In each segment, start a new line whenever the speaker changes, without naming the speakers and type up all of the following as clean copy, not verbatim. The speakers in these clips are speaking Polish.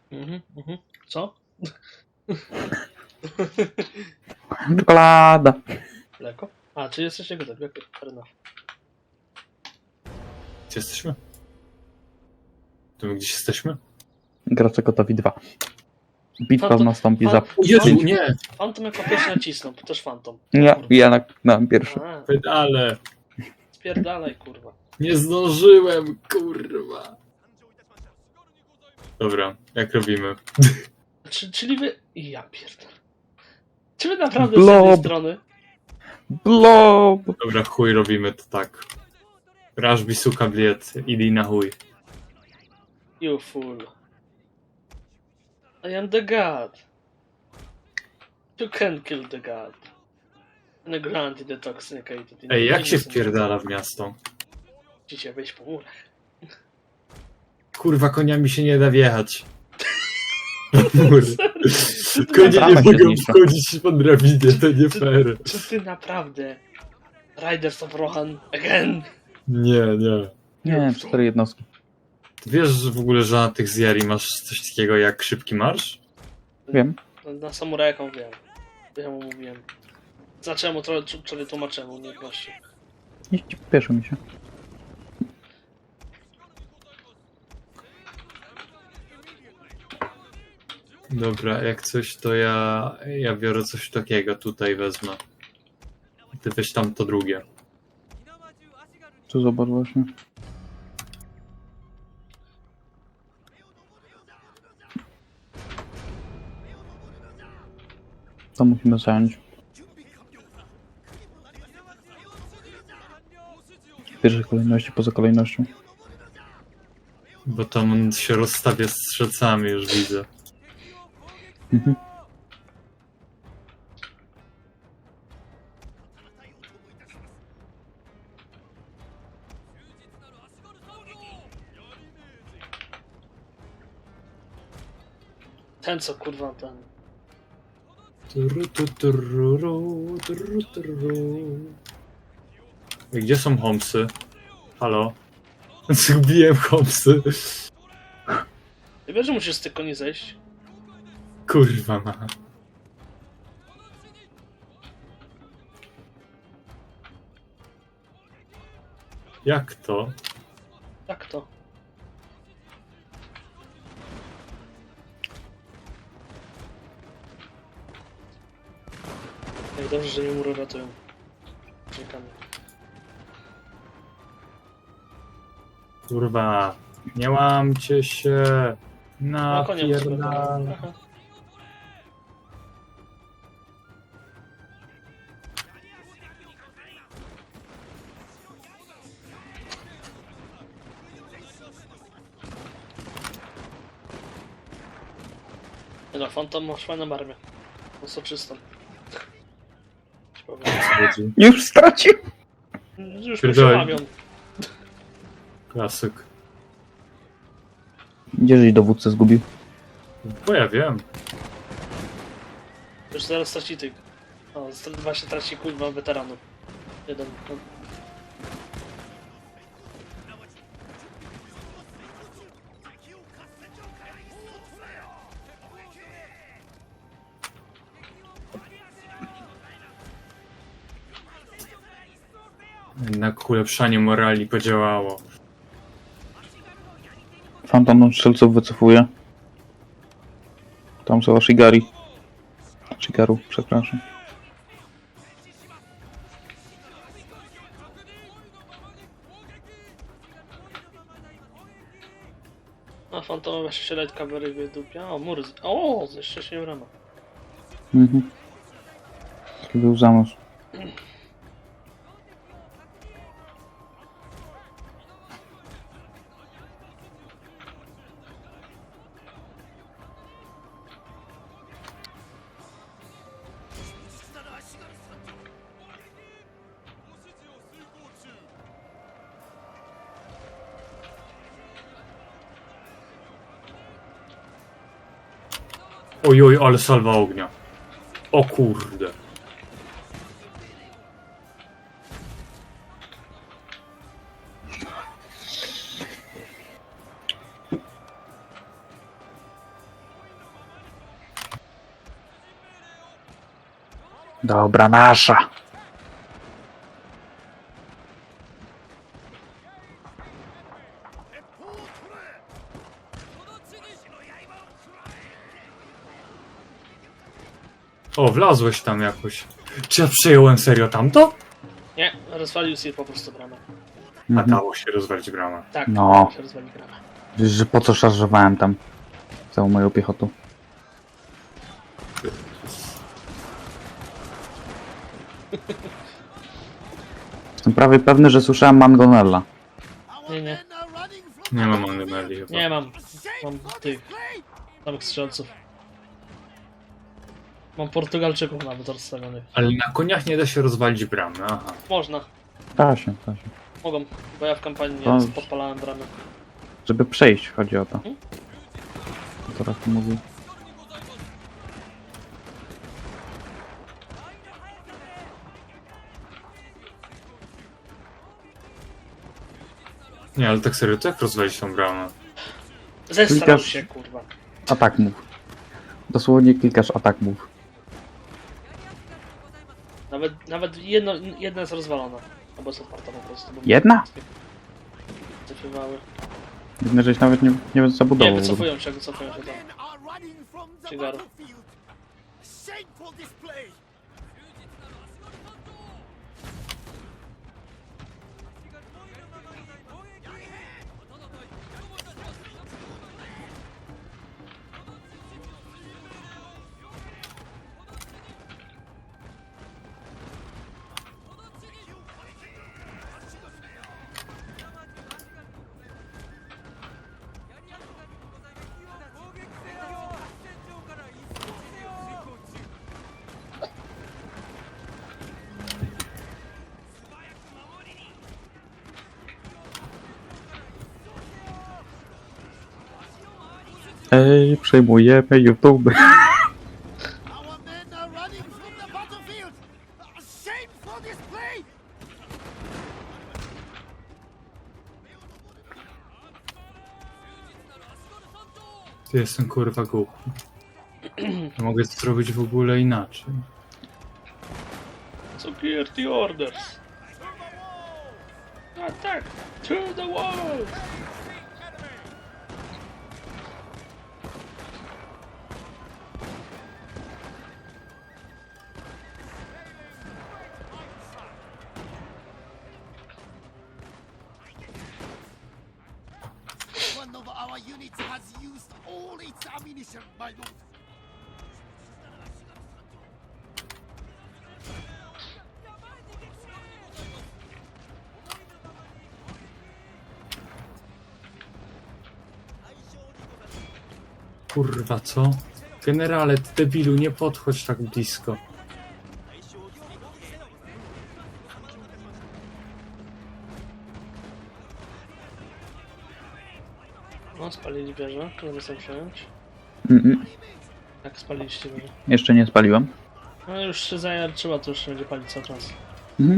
Co?
Czekolada.
Mleko? A, czy jesteście gotowi? Okej, fair enough.
Gdzie jesteśmy? To my gdzieś jesteśmy?
Gracze gotowi 2. Bitwa
Fantom-
nastąpi za...
Jezu,
pięć-
nie!
Fantom jako pierwszy nacisnął, też Fantom.
Nie, ja na pierwszy.
A,
Pedale!
spierdalaj, kurwa.
Nie zdążyłem, kurwa! Dobra, jak robimy?
Czyli wy... Ja pierdolę. Czy wy naprawdę z
Blob.
jednej strony?
Blob!
Dobra, chuj, robimy to tak. Rashbi suka bliet, idi na chuj.
You fool. I am the god. You can kill the god. And granted the toxicated.
Ej, jak się wpierdala w miasto?
Musicie wejść po murach.
Kurwa, koniami się nie da wjechać. Mur. Konie nie
Bramę się
mogą
zniszczy.
wchodzić po drabinie, to nie fair.
Czy ty naprawdę... Riders of Rohan again?
Nie, nie.
Nie, 4 jednostki.
Ty wiesz w ogóle, że na tych zjari masz coś takiego jak szybki marsz?
Wiem.
Na samurajaką wiem. Ja mu mówiłem. Zaczęło trochę tłumaczyłem umiejętności.
Nie śpieszy mi się.
Dobra, jak coś to ja biorę coś takiego, tutaj wezmę. Ty weź tam to drugie.
Tu zobacz właśnie. To musimy zająć. W pierwszej kolejności, poza kolejnością.
Bo tam on się rozstawia strzelcami, już widzę.
Mhm.
Ten co kurwa ten.
I gdzie są Homsy? Halo? Zgubiłem Homsy.
Ty wiesz, że musisz z tych koni zejść?
Kurwa ma. Jak to?
Jak to? Jak dobrze, że mnie mury ratują. Czekamy.
Kurwa. Nie łamcie się.
No konie
Napierdala.
Aha. Nie no, Phantom ma fajną armię. No soczystą. Ci powiem.
Już stracił!
Już
Pierdolę.
przemawiam.
Klasyk.
Gdzieżeś dowódcę zgubił?
Bo ja wiem.
Już zaraz traci tych. O, właśnie traci kurwa weteranów. Jeden. No.
Jednak ulepszanie morali podziałało.
Fantom strzelców wycofuje. Tam są Ashigari. Ashigaru, przepraszam.
A Phantom właśnie się light cavalry wydupia. O, mur. O, jeszcze się nie rama.
Mhm. Taki był zamysł.
Ojoj, ale salwa ognia. O kurde.
Dobra, nasza.
O, wlazłeś tam jakoś. Czy ja przejąłem serio tamto?
Nie, rozwalił sobie po prostu bramę.
A
Mhm.
dało się rozwalić bramę.
Tak,
No.
się rozwali bramę.
Wiesz, że po co szarżowałem tam całą moją piechotą? Jestem prawie pewny, że słyszałem Mangonella.
Nie, nie.
Nie mam Angemeli chyba.
Nie mam. Mam tych samych strzelców. Mam Portugalczyków nawet rozstawionych.
Ale na koniach nie da się rozwalić bramy, aha.
Można.
Da się.
Mogą, bo ja w kampanii
To-
podpalałem bramy.
Żeby przejść, chodzi o to.
Mhm.
Teraz mówił.
Nie, ale tak serio, to jak rozwalić tą bramę?
Zestrał
Klikasz-
się, kurwa.
Atak move. Dosłownie klikasz atak move.
Nawet jedna jest rozwalona. Albo jest otwarta po prostu. bo-
Jedna?
Wycofywały.
Widzę, żeś nawet nie
Nie,
zabudował.
wycofują się tam. Cigaru.
Ej, przejmujemy YouTube.
Our men are running from the battlefield! Shame for this play!
Ty jestem kurwa głupi. Mogę to zrobić w ogóle inaczej.
Security orders. Attack to the wall.
One of our units has used all its ammunition, my lord.
Kurwa, co? Generale, ty debilu, nie podchodź tak blisko.
No, spalili wieżę, którą chcę przejąć. Jak spaliliście wieżę?
Jeszcze nie spaliłem.
No już się zajarczyła, to już będzie palić cały czas.
Mhm.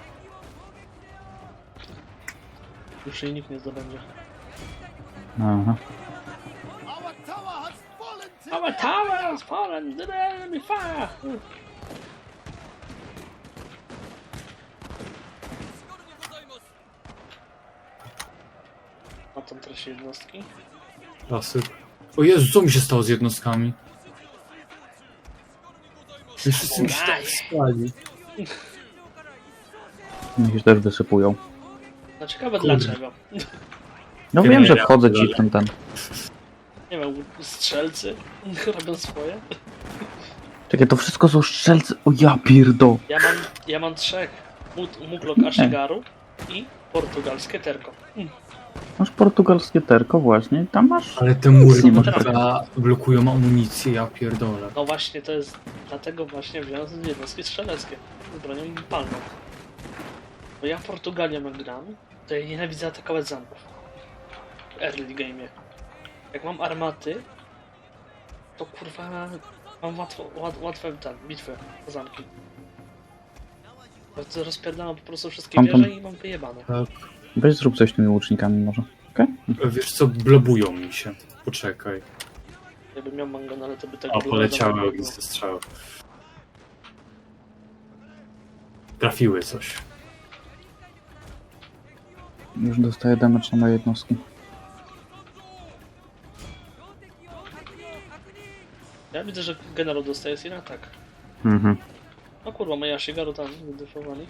Już jej nikt nie zdobędzie.
Aha.
Our tower has fallen to
Our tower has fallen to the enemy fire! A tam traci jednostki.
Klasyk. O Jezu, co mi się stało z jednostkami? Już wszyscy mi się tak spali.
Mnie się też wysypują.
No ciekawe
Kurde.
dlaczego.
No
Nie,
wiem, że
ja
wchodzę ci
pierdolę.
w ten.
Nie wiem, strzelcy robią swoje.
Czekaj, to wszystko są strzelcy. O ja pierdo.
Ja mam trzech. Muglok Ashigaru i portugalskie terko.
Masz portugalskie terko właśnie. Tam masz.
Ale te mury
Nie ma
kurwa blokują amunicję, ja pierdolę.
No właśnie, to jest... Dlatego właśnie wziąłem jednostki strzeleckie. Z bronią palną. Bo ja Portugalią jak gram, to ja nienawidzę atakować zamków. W early game'ie. Jak mam armaty, to kurwa... Mam łatwe bitwy o zamki. Bo to rozpierdalam po prostu wszystkie
Tam.
wieże i mam wyjebane.
Tak.
Weź zrób coś z tymi łucznikami może. Okej?
Wiesz co, blobują mi się. Poczekaj.
Jakbym miał mangonale, to by tego
O,
było
poleciały
wiadomo.
ognisty strzały. Trafiły coś.
Już dostaję damage na moje jednostki.
Ja widzę, że generał dostaje i na tak.
Mhm.
O kurwa, moja Shigaru tam wydefowali.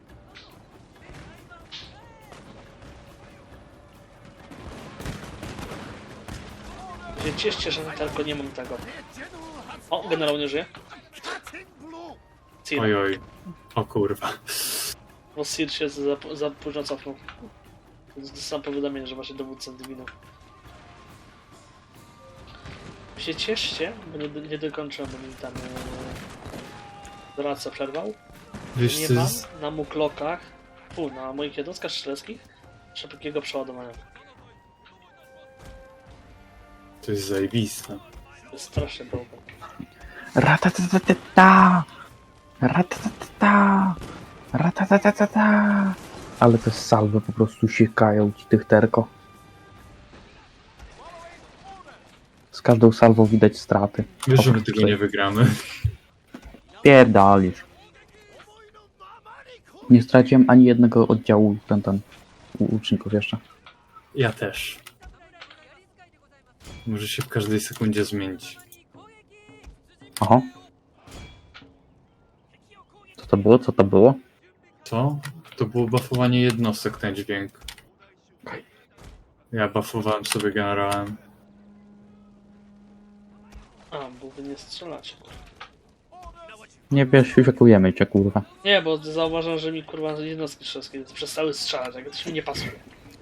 Się cieszcie, że tylko nie mam tego. O, generał nie żyje.
Cutting blow.
Cir.
Oj, oj. O kurwa.
Bo Cir się za późno cofnął. Dostałem powiadomienie, że właśnie dowódca zginął. Się cieszcie, bo nie dokończyłem, bo mi tam doradca przerwał.
Wiesz
Nie
co
mam
jest...
na muklokach, na moich jednostkach strzeleckich szybkiego przeładowania.
To jest zajebiste.
To jest strasznie dobre.
Ratatatata! Ratatatata! Ratatatata! Ale te salwy po prostu siekają ci tych terko. Z każdą salwą widać straty.
Wiesz, że my
Oprócz
tego
tej-
nie wygramy.
Pierdolisz. Nie straciłem ani jednego oddziału łuczników jeszcze.
Ja też. Może się w każdej sekundzie zmienić.
Oho. Co to było? Co to było?
Co? To było buffowanie jednostek, ten dźwięk. Ja buffowałem sobie generałem.
A, bo wy nie strzelacie.
Nie wiesz, siekujemy cię, kurwa.
Nie, bo zauważam, że mi kurwa jednostki strzeleckie przestały strzelać, jak to mi nie pasuje.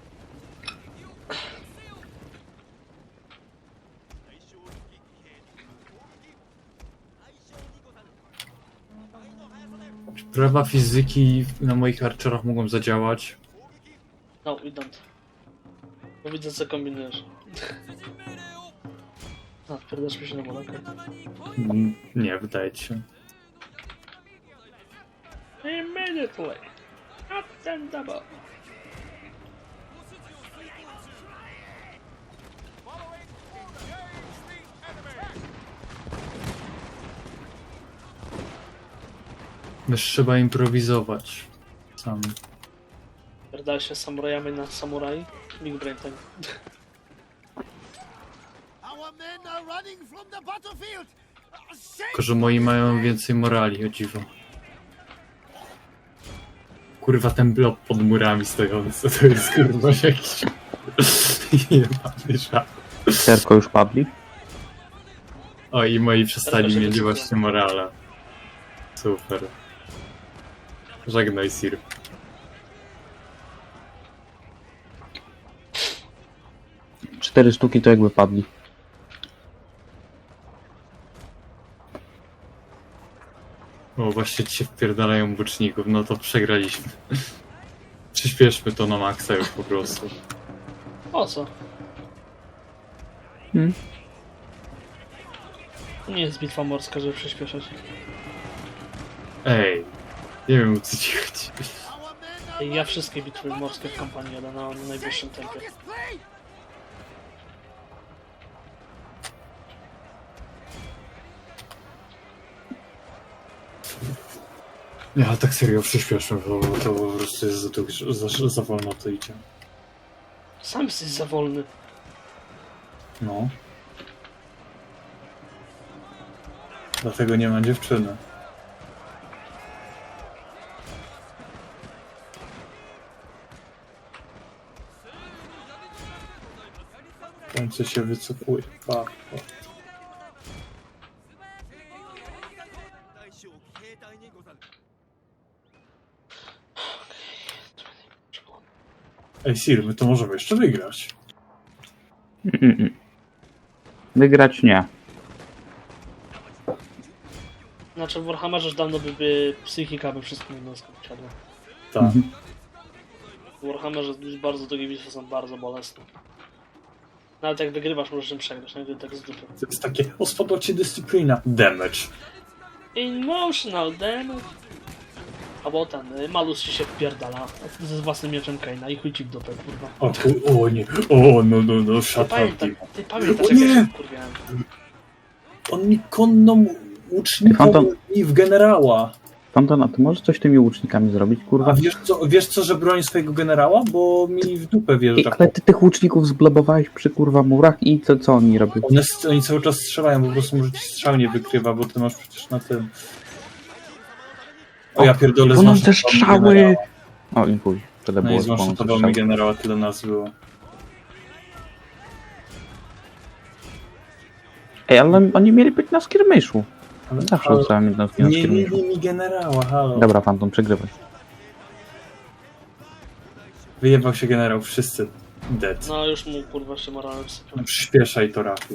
Prawa fizyki na moich archerach mogą zadziałać.
No, we don't. Bo widzę, co kombinujesz. A, wpierdasz mi się na molekę.
Nie, wydaje ci się.
Immediately! Up and double!
Też trzeba improwizować. Sam.
Pierdala się samurajami na samuraj. Big brain time.
Our men are running from the battlefield. Shame.
Tylko, że moi mają więcej morali, o dziwo. Kurwa, ten blok pod murami stojący, to jest kurwa jakiś... Jebany żart.
Terko już padli?
O, i moi przestali
Teraz się
mieć
wysypią.
właśnie morale. Super. Żegnaj, Sir.
Cztery sztuki to jakby padli.
O, właśnie ci się wpierdalają buczników, no to przegraliśmy. Przyspieszmy to na maksa już po prostu.
O co?
Hmm?
To nie jest bitwa morska, żeby przyspieszać.
Ej, nie wiem o co ci chodzi.
Our men are
Ja wszystkie bitwy morskie w kampanii jadę na najwyższym tempie.
strongest play.
Nie, ale tak serio przyspieszmy, bo to po prostu jest za wolno to idzie.
Sam jesteś za wolny.
No. Dlatego nie ma dziewczyny. W końcu się wycofuje. Pa. Ej, Sir, my to możemy jeszcze wygrać.
Wygrać nie.
Znaczy w Warhammerze już dawno by psychika by wszystkim jednostkom wsiadła.
Tak.
W Warhammerze bardzo długie bitwy są bardzo bolesne. Nawet jak wygrywasz, możesz im przegrać, nawet tak z dupy.
To jest takie, o, spadła ci dyscyplina. Damage.
Emotional damage. Albo ten, Malus ci się wpierdala ze własnym mieczem Kaina i chuj ci w dupę, kurwa.
O nie, no, shut up.
Ty pamiętasz,
O
jak ja
nie!
się wkurwiałem.
On mi konną łuczniką
Fantom.
i w generała.
Panton, a ty możesz coś tymi łucznikami zrobić, kurwa?
A wiesz co, że broni swojego generała? Bo mi w dupę
Ej,
wjeżdża.
ale ty tych łuczników zblobowałeś przy kurwa murach i co oni robią?
Oni cały czas strzelają, po prostu może ci strzał nie wykrywa, bo ty masz przecież na tym... O ja pierdolę,
Płoną te
zwanshotował mi
strzały!
generała.
O, i chuj. Tyle
No i
było, że płoną te
zwanshotował mi
strzały.
generała, tyle nas było.
Ej, ale oni mieli być na skirmiszu.
Ale,
Zawsze rzucałem jednostki na
nie
skirmiszu.
mieli mi generała, halo.
Dobra, Panton, przegrywaj.
Wyjebał się generał, wszyscy dead.
No już mu kurwa się morale wsypią.
No, przyspieszaj to, Rafi.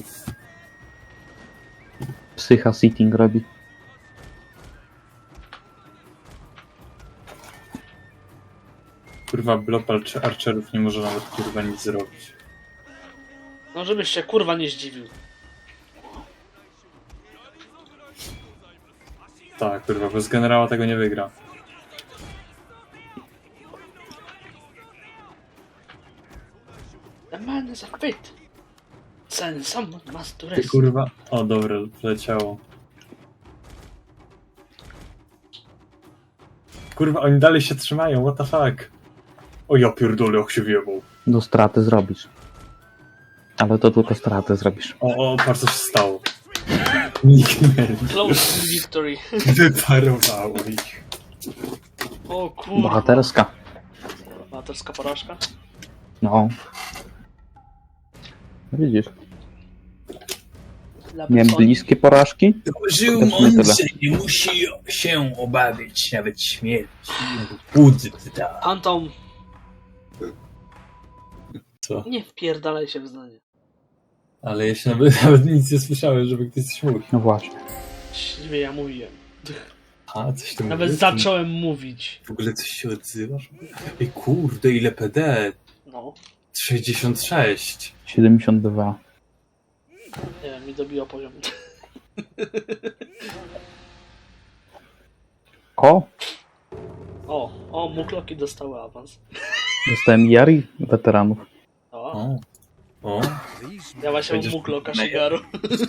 Psycha sitting robi.
Kurwa, blop archerów nie może nawet kurwa nic zrobić.
No żebyś się kurwa nie zdziwił.
Tak, kurwa, bez generała tego nie wygra.
The man is a fit. Then someone must do
Ty
rest.
kurwa... O, dobra, leciało. Kurwa, oni dalej się trzymają, what the fuck? O ja pierdolę, jak się wjebał.
Do straty zrobisz. Ale to tylko stratę zrobisz.
O, patrz co się stało. Nikt nie...
Close victory.
Wyparowało ich.
O kurwa.
Bohaterska.
Bohaterska porażka.
No. Widzisz,
Dla
miałem
Personi.
bliskie porażki.
Żył
Też nie
mądrze, nie musi się obawiać nawet śmierci. Budda.
Phantom,
Co?
nie wpierdalaj się w zdanie.
Ale ja się nawet nic nie słyszałem, żeby ktoś coś mówił.
No właśnie.
Śliwie ja mówiłem.
A, coś tam
Nawet
mówisz?
zacząłem mówić.
W ogóle coś się odzywasz? Ej, kurde, ile PD?
No.
66.
72.
Nie wiem, mi dobiło poziom.
O!
O, mukloki dostały awans.
Dostałem Jari weteranów.
O,
O.
ja właśnie
Będziesz-
mukloka Shigaru.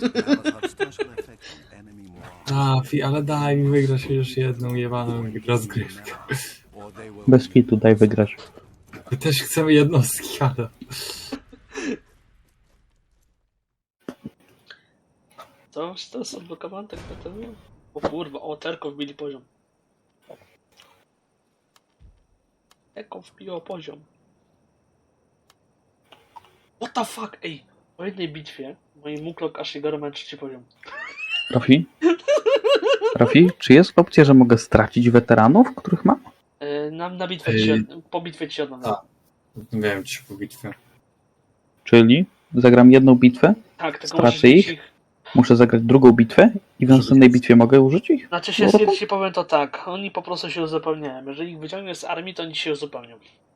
Ale daj mi wygrać już jedną jebaną rozgrywkę.
Bez kitu, daj wygrać.
My też chcemy jednostki, ale...
To jest odblokowany tak naprawdę? O kurwa, o Terko wbili poziom. Terko wbiło poziom. What the fuck, ej! Po jednej bitwie mój muklok Ashigaru ma 3 poziom.
Rafi? Rafi, czy jest opcja, że mogę stracić weteranów, których mam?
Na bitwę po bitwie ci oddam.
Tak. Wiem ci po bitwie.
Czyli zagram jedną bitwę,
Tak, tylko
stracę
musisz mieć
ich? muszę zagrać drugą bitwę i w następnej bitwie mogę użyć ich?
Znaczy się, ci powiem to tak, oni po prostu się uzupełniają. Jeżeli ich wyciągniesz z armii, to oni się uzupełnią.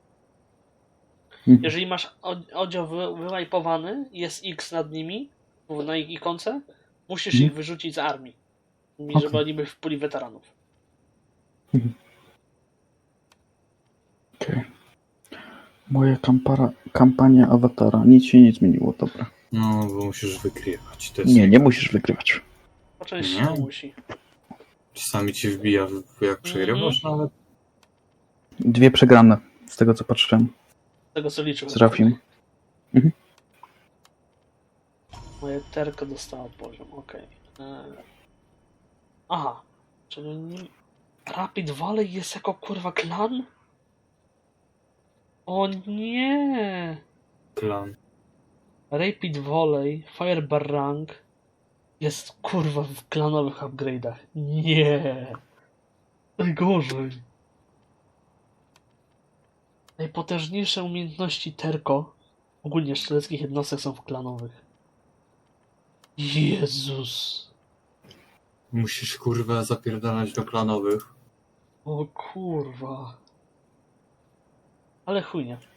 Mhm.
Jeżeli masz oddział wywajpowany, jest X nad nimi, na ich ikonce, musisz ich wyrzucić z armii. Żeby
Okej.
oni byli w puli weteranów.
Okay. Moja kampania awatara. Nic się nie zmieniło, dobra.
No, bo musisz wykrywać. To jest
Nie musisz wygrywać.
Po części
Nie.
to musi.
Czasami ci wbija, jak przegrywasz nawet.
2 przegrane, z tego co patrzyłem.
Z tego co liczył.
Z Rafim.
Moje terko dostało poziom, okej. Aha, czyli Rapid Valley jest jako kurwa klan? O nie!
Klan.
Rapid Volley, Firebar Rank jest kurwa w klanowych upgrade'ach. Nie! Najgorzej. Najpotężniejsze umiejętności Terko, ogólnie strzeleckich jednostek, są w klanowych. Jezus.
Musisz kurwa zapierdalać do klanowych.
O kurwa. Ale chujnie.